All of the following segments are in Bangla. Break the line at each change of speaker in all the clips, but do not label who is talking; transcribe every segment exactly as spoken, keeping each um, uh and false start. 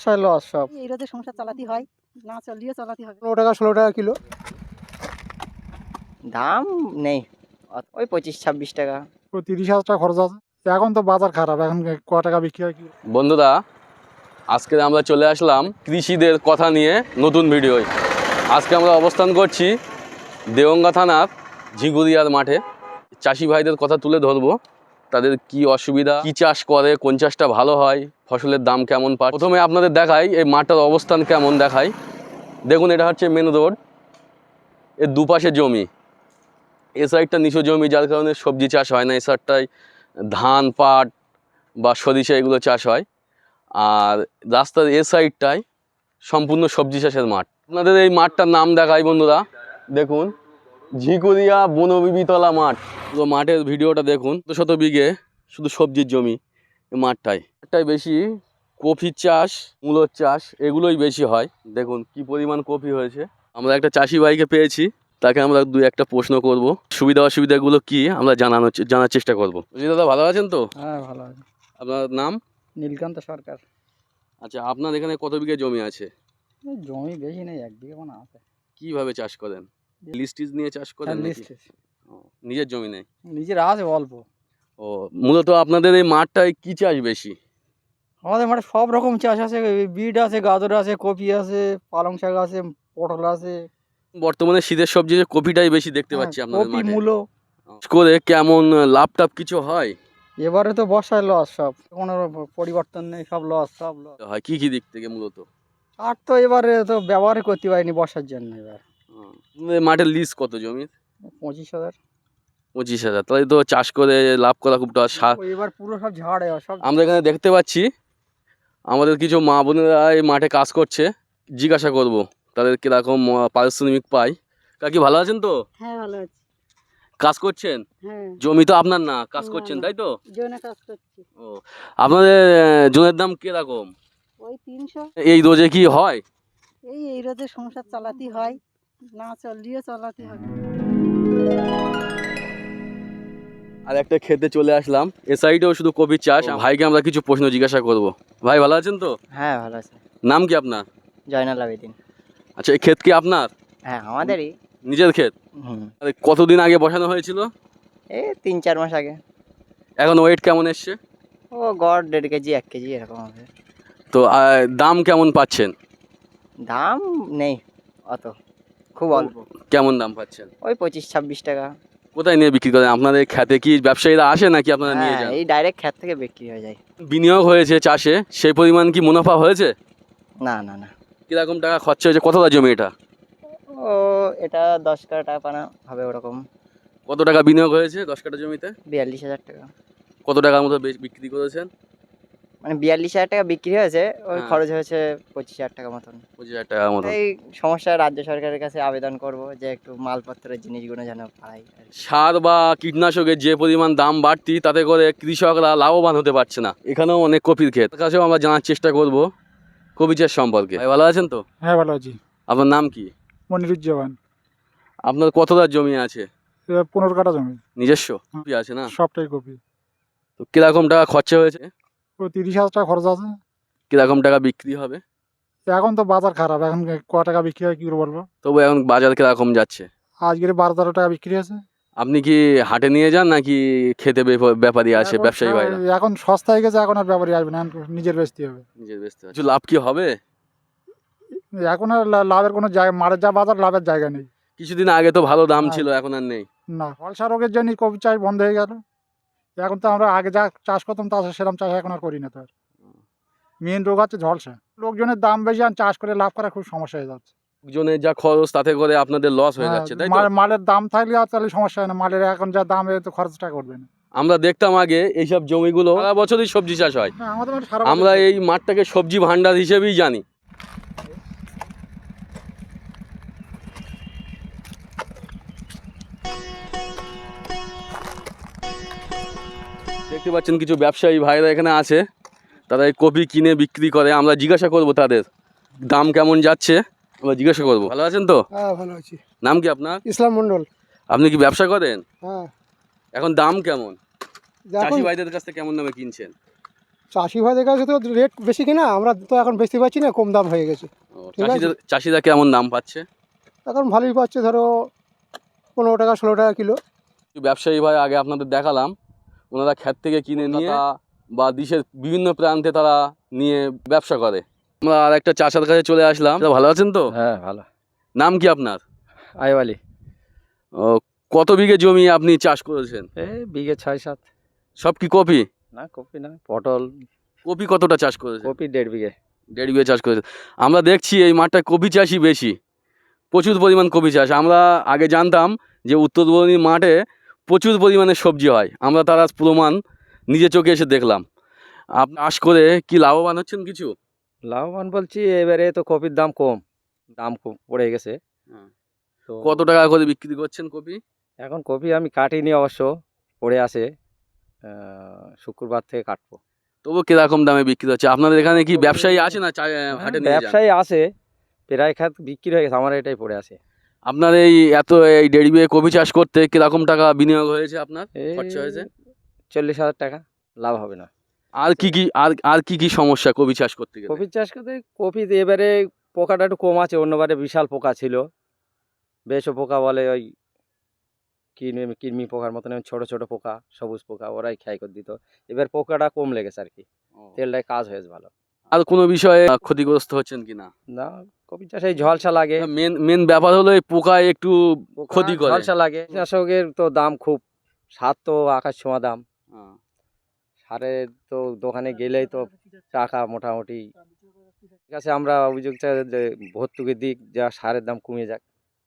বর্ষায় লস সব।
এই রোদে সংসার চালাতে হয়, না চালিয়ে চালাতে হবে।
পনেরো টাকা ষোলো টাকা কিলো।
দাম নেই, ওই পঁচিশ ছাব্বিশ টাকা।
পুরো তিরিশ হাজার টাকা খরচ আছে। এখন তো বাজার খারাপ, এখন ক টাকা বিক্রি হয় কি?
বন্ধুরা, আজকে আমরা চলে আসলাম কৃষিদের কথা নিয়ে নতুন ভিডিওয়। আজকে আমরা অবস্থান করছি দেওঙ্গা থানার ঝিগুরিয়ার মাঠে। চাষি ভাইদের কথা তুলে ধরবো, তাদের কি অসুবিধা, কি চাষ করে, কোন চাষটা ভালো হয়, ফসলের দাম কেমন পায়। প্রথমে আপনাদের দেখাই এই মাঠটার অবস্থান কেমন দেখাই। দেখুন, এটা হচ্ছে মেন রোড, এর দুপাশে জমি। এ সাইডটা নিচু জমি, যার কারণে সবজি চাষ হয় না। এই সাইডটায় ধান, পাট বা সরিষা এগুলো চাষ হয়। আর রাস্তার এ সাইডটায় সম্পূর্ণ সবজি চাষের মাঠ। আপনাদের এই মাঠটার নাম দেখাই বন্ধুরা, দেখুন ঝিকুরিয়া বনবিবিতলা মাঠ। তো মাঠের ভিডিওটা দেখুন, শত শত বিঘে শুধু সবজির জমি এই মাঠটায়। মাঠটায় বেশি কফির চাষ, মূলোর চাষ এগুলোই বেশি হয়। দেখুন কি পরিমাণ কফি হয়েছে। আমরা একটা চাষি ভাইকে পেয়েছি, তাকে আমরা দুই একটা প্রশ্ন করব, সুবিধা অসুবিধাগুলো কি আমরা জানানোর জানার চেষ্টা করবো। দাদা ভালো আছেন তো?
হ্যাঁ ভালো আছে।
আপনার নাম?
নীলকান্ত সরকার।
আচ্ছা, আপনার এখানে কত বিঘে জমি আছে?
জমি বেশি নেই, এক বিঘে কোনো আছে।
কিভাবে চাষ করেন? লিস্টিজ নিয়ে চাষ করেন নাকি? ও, নিজের জমি নেই?
নিজের আছে অল্প।
ও, মূলত আপনাদের এই মাঠটায় কি চাষ বেশি?
আমাদের মাঠে সব রকম চাষ আছে, বিট আছে, গাজর আছে, কপি আছে, পালং শাক আছে, পটল আছে।
বর্তমানে শীতের সবজি যে কপিটাই বেশি দেখতে পাচ্ছি আপনাদের
কপি,
মাঠে।
মূলো।
করে কেমন লাভ টাভ কিছু হয়?
এবারে তো বর্ষায় লস সব, কোনো পরিবর্তন নেই, সব লস, সব লস
হয় কি কি দিক থেকে মূলত?
আর তো এবারে তো ব্যবহারই করতে পারিনি বর্ষার জন্য। এবার
আপনাদের মাঠের লিজ কত জমির?
পঁচিশ হাজার।
পঁচিশ হাজার তাহলে তো চাষ করে লাভ করা খুব টাফ।
এবার পুরো সব ঝাড় সব।
আমরা এখানে দেখতে পাচ্ছি আমাদের কিছু মা বোনেরা এই মাঠে কাজ করছে, জিজ্ঞাসা করব তাদের কিরকম পারিশ্রমিক পায়। কাকি ভালো আছেন তো?
হ্যাঁ ভালো আছি।
কাজ করছেন?
হ্যাঁ।
জমি তো আপনার না, কাজ
না,
করছেন
না।
তাই তো?
জোনে কাজ করছি।
ও, আপনাদের আহ, জমির দাম কিরকম?
ওই তিনশো।
এই রোজে কি হয়?
এই এই রোদে সংসার চালাতে হয়, না চালিয়ে চালাতে হবে।
আর একটা খেতে চলে আসলাম, এ সাইডেও শুধু কপির চাষ। ভাইকে আমরা কিছু প্রশ্ন জিজ্ঞাসা করব। ভাই ভালো আছেন তো?
হ্যাঁ ভালো আছে।
নাম কি আপনার?
জয়নাল আবেদিন।
আচ্ছা, এই ক্ষেত কি আপনার?
হ্যাঁ আমাদেরই।
নিজের ক্ষেত?
হুম।
আরে, কতদিন আগে বসানো হয়েছিল?
এই তিন চার মাস আগে।
এখন ওয়েট কেমন এসছে?
ও গড় দেড় কেজি এক কেজি এরকম হবে।
তো আহ, দাম কেমন পাচ্ছেন?
দাম নেই অত, খুব অল্প।
কেমন দাম পাচ্ছেন?
ওই পঁচিশ ছাব্বিশ টাকা।
কোথায় নিয়ে বিক্রি করেন? আপনাদের খেতে কি ব্যবসায়ীরা আসে নাকি আপনারা নিয়ে
হ্যাঁ
যান?
এই ডাইরেক্ট ক্ষেত থেকে বিক্রি হয়ে যায়।
বিনিয়োগ হয়েছে চাষে, সেই পরিমাণ কি মুনাফা হয়েছে?
না না না।
কিরকম টাকা খরচা হয়েছে? কতটা জমি এটা?
ও এটা দশ কাঠা টাকা পানা হবে ওরকম।
কত টাকা বিনিয়োগ হয়েছে দশ কাঠা জমিতে?
বিয়াল্লিশ হাজার টাকা।
কত টাকার মতো বে- বিক্রি করেছেন?
মানে বিয়াল্লিশ হাজার টাকা বিক্রি হয়েছে, ওই
হ্যাঁ।
খরচ হয়েছে পঁচিশ হাজার টাকা মতন।
পঁচিশ হাজার টাকার মতো।
এই সমস্যা রাজ্য সরকারের কাছে আবেদন করব যে একটু মালপত্রের জিনিসগুলো যেন পাই আর কি।
সার বা কীটনাশকের যে পরিমাণ দাম বাড়তি, তাতে করে কৃষকরা লাভবান হতে পারছে না। এখানেও অনেক কপির ক্ষেত, তার কাছেও আমরা জানার চেষ্টা করব কপি চাষ সম্পর্কে। ভাই ভালো আছেন তো?
হ্যাঁ ভালো আছি।
আপনার নাম কি?
মনিরুজ্জামান।
আপনার কতটা জমি আছে?
এবার পনেরো কাঠা জমি।
নিজস্ব কপি আছে না?
সবটাই কপি।
তো কিরকম টাকা খরচা হয়েছে?
পুরো তিরিশ হাজার টাকা খরচ আছে।
কিরকম টাকা বিক্রি হবে?
এখন তো বাজার খারাপ, এখন ক টাকা বিক্রি হয় কি করে বলবো।
তবু এখন বাজার কিরকম যাচ্ছে?
আজকের বারো তেরো টাকা বিক্রি আছে।
আপনি কি হাটে নিয়ে যান নাকি খেতে বেপ- ব্যাপারী আসে,
এখন
ব্যবসায়ী ভাইরা?
এখন সস্তা হয়ে গেছে, এখন আর ব্যাপারই আসবে না, এখন নিজের বেচতে হবে।
নিজের বেচতে হয়। কিছু লাভ কি হবে?
এখন আর লা- লাভের কোনো জায়গা, মারের যা বাজার, লাভের জায়গা নেই।
কিছুদিন আগে তো ভালো দাম
হ্যাঁ।
ছিল, এখন আর নেই।
না, ফলসা রোগের জন্য কপি চাষ বন্ধ হয়ে গেল। এখন তো আমরা আগে যা চাষ করতাম তা সেরকম চাষ এখন আর করি না। তো মেন রোগ হচ্ছে ঝলসা। লোকজনের দাম বেশি, আর চাষ করে লাভ করা খুব সমস্যা হয়ে যাচ্ছে।
লোকজনের যা খরচ, তাতে করে আপনাদের লস হয়ে
হ্যাঁ,
যাচ্ছে, তাই তো?
মাল- মালের দাম থাকলে আর তাহলে সমস্যা হয় না, মালের এখন যা দাম এ তো খরচটা করবে না।
আমরা দেখতাম আগে এইসব জমিগুলো সারা বছরই সবজি চাষ হয়।
হ্যাঁ, আমাদের মাঠে সারা
আমরা
বছর
এই মাঠটাকে সবজি ভান্ডার হিসেবেই জানি। দেখতে পাচ্ছেন কিছু ব্যবসায়ী ভাইরা এখানে আছে, তারা এই কপি কিনে বিক্রি করে। আমরা জিজ্ঞাসা করব তাদের দাম কেমন যাচ্ছে, আমরা জিজ্ঞাসা করব। ভালো আছেন তো?
হ্যাঁ ভালো আছি।
নাম কি আপনার?
ইসলাম মন্ডল।
আপনি কি ব্যবসা করেন?
হ্যাঁ
এখন দাম কেমন?
এখন
চাষি ভাইদের কাছ থেকে কেমন দামে কিনছেন?
চাষি ভাইদের কাছে তো রেট বেশি কিনা, আমরা তো এখন বেচতে পারছি না, কম দাম হয়ে গেছে।
ও,
ঠিক আছে।
চাষিদের চাষিরা কেমন দাম পাচ্ছে?
এখন ভালোই পাচ্ছে, ধরো পনেরো টাকা ষোলো টাকা কিলো।
ব্যবসায়ী ভাই আগে আপনাদের দেখালাম, ওনারা ক্ষেত থেকে কিনে নিয়ে বা দেশের বিভিন্ন প্রান্তে তারা নিয়ে ব্যবসা করে। আমরা আর একটা চাষার কাছে চলে আসলাম। দাদা, ভালো আছেন তো?
হ্যাঁ ভালো।
নাম কি আপনার?
আইওয়ালি।
ও, কত বিঘে জমি আপনি চাষ করেছেন?
এই বিঘে ছয় সাত।
সব কি কপি?
না কপি না, পটল।
কপি কতটা চাষ করেছেন?
কপি দেড় বিঘে।
দেড় বিঘে চাষ করেছেন। আমরা দেখছি এই মাঠটায় কপি চাষই বেশি, প্রচুর পরিমাণ কপি চাষ। আমরা আগে জানতাম যে উত্তরবঙ্গী মাঠে প্রচুর পরিমাণে সবজি হয়, আমরা তার আজ প্রমাণ নিজে চোখে এসে দেখলাম। আপনি চাষ করে কি লাভবান হচ্ছেন কিছু?
লাভবান বলছি, এবারে তো কপির দাম কম, দাম কম পড়ে গেছে।
হ্যাঁ।
তো
কত টাকা করে বিক্রি করছেন কপি?
এখন কপি আমি কাটিনি অবশ্য, পড়ে আছে, আহ, শুক্রবার থেকে কাটবো।
তবু কিরকম দামে বিক্রি হচ্ছে? আপনাদের এখানে কি ব্যবসায়ী আছে না চা- হাটে নিয়ে যান?
ব্যবসায়ী আছে, প্রায় খাত বিক্রি হয়ে গেছে, আমার এটাই পড়ে আছে।
আপনার এই এত এই দেড় বিঘে কপি চাষ করতে কিরকম টাকা বিনিয়োগ হয়েছে আপনার,
এই
খরচা হয়েছে?
চল্লিশ হাজার টাকা, লাভ হবে না।
আর কি কি আর আর কি কি সমস্যা কপি চাষ করতে গেলে?
কপি চাষ করতে কপিতে এবারে পোকাটা একটু কম আছে, অন্যবারে বিশাল পোকা ছিল, বেশও পোকা বলে ওই কৃমি কৃমি পোকার মতন ছোট ছোট পোকা, সবুজ পোকা, ওরাই ক্ষয় করে দিত। এবার পোকাটা কম লেগেছে আর কি, তেলটায় কাজ হয়েছে ভালো।
আর কোনো বিষয়ে ক্ষতিগ্রস্ত হচ্ছেন কিনা?
না, কপি চাষে এই ঝলসা লাগে,
মেন মেন ব্যাপার হলো এই পোকায় একটু
পোকা,
ক্ষতি করে।
ঝলসা লাগে। চাষকের তো দাম খুব, সার তো আকাশ ছোঁয়া দাম,
হ্যাঁ।
সারের তো দোকানে গেলেই তো টাকা মোটামুটি। ঠিক আছে, আমরা অভিযোগ চাই যে ভর্তুকির দিক, যা সারের দাম কমে যাক।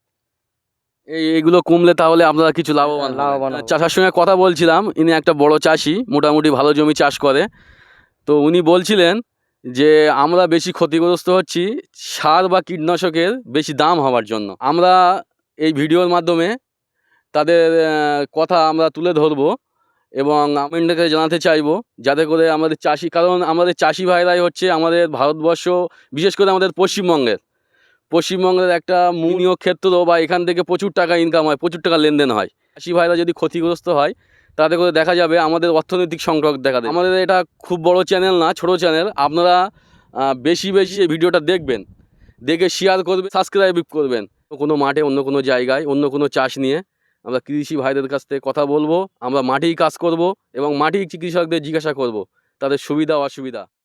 এই এগুলো কমলে তাহলে আপনারা কিছু লাভবান হবেন।
লাভবান হবো।
চাষার সঙ্গে কথা বলছিলাম, ইনি একটা বড় চাষি, মোটামুটি ভালো জমি চাষ করে। তো উনি বলছিলেন যে আমরা বেশি ক্ষতিগ্রস্ত হচ্ছি সার বা কীটনাশকের বেশি দাম হওয়ার জন্য। আমরা এই ভিডিওর মাধ্যমে তাদের আহ, কথা আমরা তুলে ধরবো এবং আপনাদেরকে জানাতে চাইবো, যাতে করে আমাদের চাষি, কারণ আমাদের চাষি ভাইরাই হচ্ছে আমাদের ভারতবর্ষ, বিশেষ করে আমাদের পশ্চিমবঙ্গের পশ্চিমবঙ্গের একটা বিনিয়োগ ক্ষেত্র, বা এখান থেকে প্রচুর টাকা ইনকাম হয়, প্রচুর টাকা লেনদেন হয়। চাষি ভাইরা যদি ক্ষতিগ্রস্ত হয় তাতে করে দেখা যাবে আমাদের অর্থনৈতিক সংকট দেখা দেবে। আমাদের এটা খুব বড় চ্যানেল না, ছোট চ্যানেল। আপনারা আহ, বেশি বেশি এই ভিডিওটা দেখবেন, দেখে শেয়ার করবেন, সাবস্ক্রাইব করবেন। কোনো মাঠে, অন্য কোনো জায়গায়, অন্য কোনো চাষ নিয়ে আমরা কৃষি ভাইদের কাছ থেকে কথা বলবো। আমরা মাঠেই কাজ করব এবং মাঠেই কৃষকদের জিজ্ঞাসা করব তাদের সুবিধা অসুবিধা।